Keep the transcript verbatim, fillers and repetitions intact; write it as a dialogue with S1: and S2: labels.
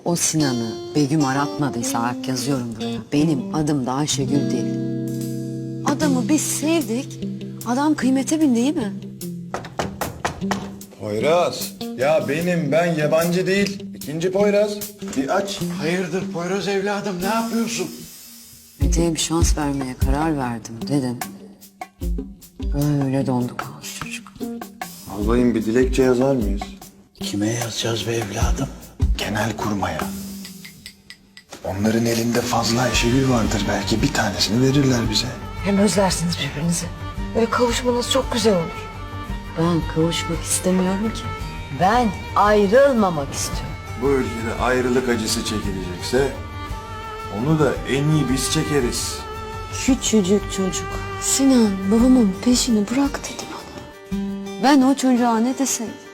S1: O Sinan'ı Begüm aratmadıysa Ark yazıyorum buraya. Benim adım da Ayşegül değil. Adamı biz sevdik. Adam kıymete bindi değil mi?
S2: Poyraz. Ya benim, ben yabancı değil. İkinci Poyraz. Bir aç.
S3: Hayırdır Poyraz evladım, ne yapıyorsun?
S1: Mete'ye bir şans vermeye karar verdim dedim. Öyle dondu kaldı çocuk.
S2: Albayım, bir dilekçe yazar mıyız?
S3: Kime yazacağız be evladım?
S2: Genel kurmaya. Onların elinde fazla Ayşegül vardır. Belki bir tanesini verirler bize.
S4: Hem özlersiniz birbirinizi. Böyle kavuşmanız çok güzel olur.
S1: Ben kavuşmak istemiyorum ki. Ben ayrılmamak istiyorum.
S2: Bu ülkede ayrılık acısı çekilecekse onu da en iyi biz çekeriz.
S1: Küçücük çocuk. Sinan babamın peşini bırak dedi bana. Ben o çocuğa ne deseydim?